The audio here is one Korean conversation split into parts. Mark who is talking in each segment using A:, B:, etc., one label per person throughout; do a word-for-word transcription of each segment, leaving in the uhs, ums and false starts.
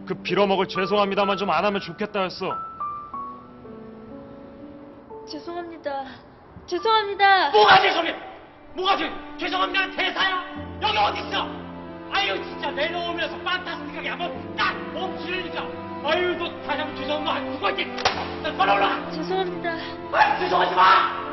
A: 그 빌어먹을 죄송합니다만 좀 안 하면 좋겠다였어.
B: 죄송합니다. 죄송합니다.
C: 뭐가 죄송해? 뭐가 죄? 죄송합니다 대사야? 여기 어딨어? 아유 진짜 내려오면서 판타스틱하게 한번 딱 멈추려니까 아유 너 다시 한번 죄송합니다 누가 이제 나 빨리 올라가.
B: 죄송합니다.
C: 아, 죄송하지 마.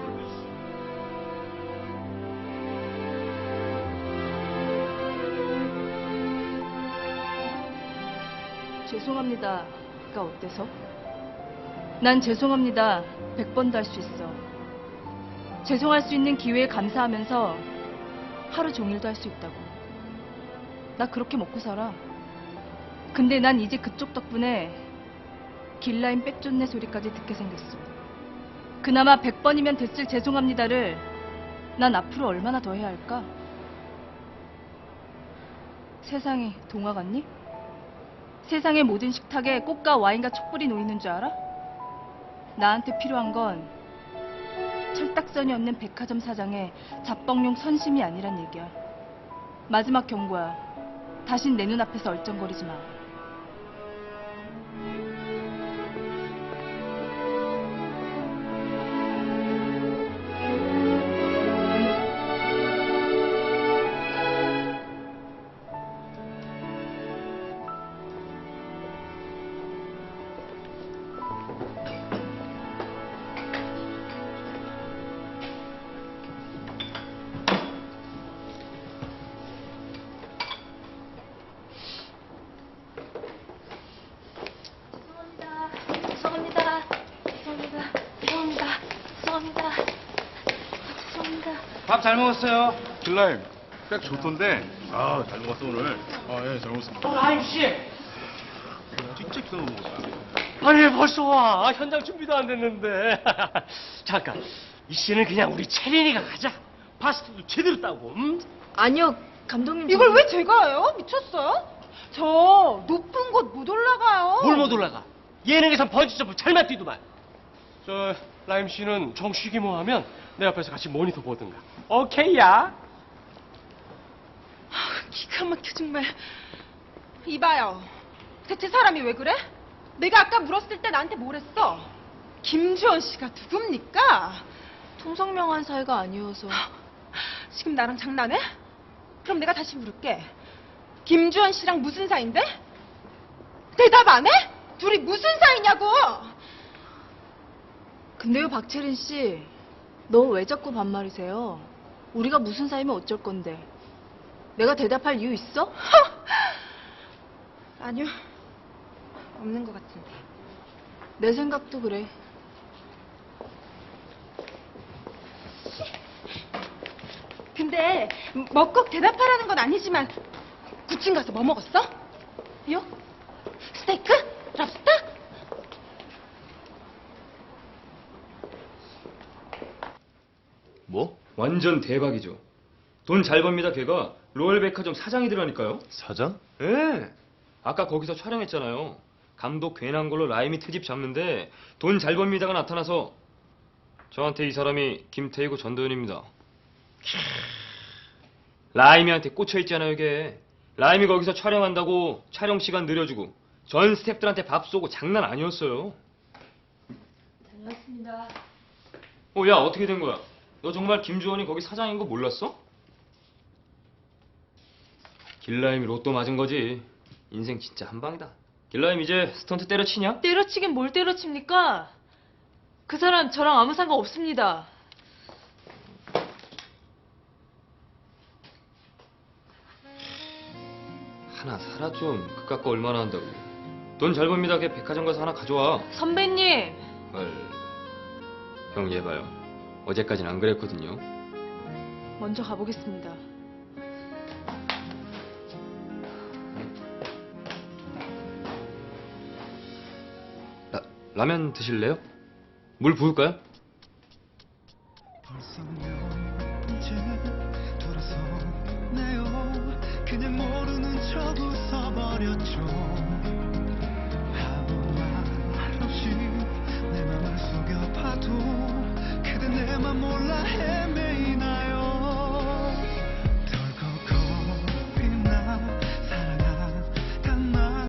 D: 죄송합니다가 어때서? 난 죄송합니다 백 번도 할 수 있어. 죄송할 수 있는 기회에 감사하면서 하루 종일도 할 수 있다고. 나 그렇게 먹고 살아. 근데 난 이제 그쪽 덕분에 길라임 빽존네 소리까지 듣게 생겼어. 그나마 백 번이면 됐을 죄송합니다를 난 앞으로 얼마나 더 해야 할까? 세상이 동화 같니? 세상의 모든 식탁에 꽃과 와인과 촛불이 놓이는 줄 알아? 나한테 필요한 건 철딱선이 없는 백화점 사장의 잡뻥용 선심이 아니란 얘기야. 마지막 경고야. 다신 내 눈앞에서 얼쩡거리지 마.
B: 죄송합니다. 죄송합니다. 죄송합니다. 죄송합니다. 죄송합니다.
E: 밥 잘 먹었어요.
F: 길라임 백 좋던데. 아 잘 먹었어 오늘. 아예 잘 먹었습니다.
C: 어, 라임씨
F: 진짜 기가 먹었어요.
C: 아니 벌써 와 현장 준비도 안 됐는데 잠깐 이 씨는 그냥 우리 채린이가 가자. 파스타도 제대로 따고 음?
B: 아니요, 감독님.
G: 이걸
B: 저는-
G: 왜 제가 해요? 미쳤어요? 저 높은 곳 못 올라가요.
C: 뭘 못 올라가? 예능에선 번지점프 잘만 뛰더만. 저 라임 씨는 정식이 뭐 하면 내 옆에서 같이 모니터 보든가. 오케이야.
G: 기가 막혀 정말. 이봐요. 대체 사람이 왜 그래? 내가 아까 물었을 때 나한테 뭘 했어? 김주원 씨가 누굽니까?
B: 통성명한 사이가 아니어서.
G: 지금 나랑 장난해? 그럼 내가 다시 물을게. 김주원 씨랑 무슨 사이인데? 대답 안 해? 둘이 무슨 사이냐고!
D: 근데요, 박채린 씨. 너 왜 자꾸 반말이세요? 우리가 무슨 사이면 어쩔 건데. 내가 대답할 이유 있어?
G: 아니요. 없는 것 같은데.
D: 내 생각도 그래.
G: 근데 뭐 꼭 대답하라는 건 아니지만 구친 가서 뭐 먹었어? 요? 스테이크? 랍스터?
H: 뭐? 완전 대박이죠. 돈 잘 법니다. 걔가 로열백화점 사장이더라니까요.
F: 사장?
H: 예. 아까 거기서 촬영했잖아요. 감독 괜한 걸로 라임이 트집 잡는데 돈 잘 법니다가 나타나서 저한테 이 사람이 김태희고 전도연입니다. 라임이한테 꽂혀있잖아요 이게. 라임이 거기서 촬영한다고 촬영 시간 늘려주고 전 스태프들한테 밥 쏘고 장난 아니었어요.
B: 다녀왔습니다.
H: 어, 야, 어떻게 된 거야? 너 정말 김주원이 거기 사장인 거 몰랐어? 길라임이 로또 맞은 거지. 인생 진짜 한 방이다. 길라임 이제 스턴트 때려치냐?
B: 때려치긴 뭘 때려칩니까? 그 사람 저랑 아무 상관 없습니다.
H: 하나 사라 좀. 그깟 거 얼마나 한다고. 돈 잘 법니다. 걔 백화점 가서 하나 가져와.
B: 선배님.
H: 헐. 형 얘 봐요. 어제까진 안 그랬거든요.
D: 먼저 가보겠습니다.
H: 라, 라면 드실래요? 물 부을까요?
I: 벌써 몇 번째 돌아서네요. 그냥 모르는 척 웃어버렸죠.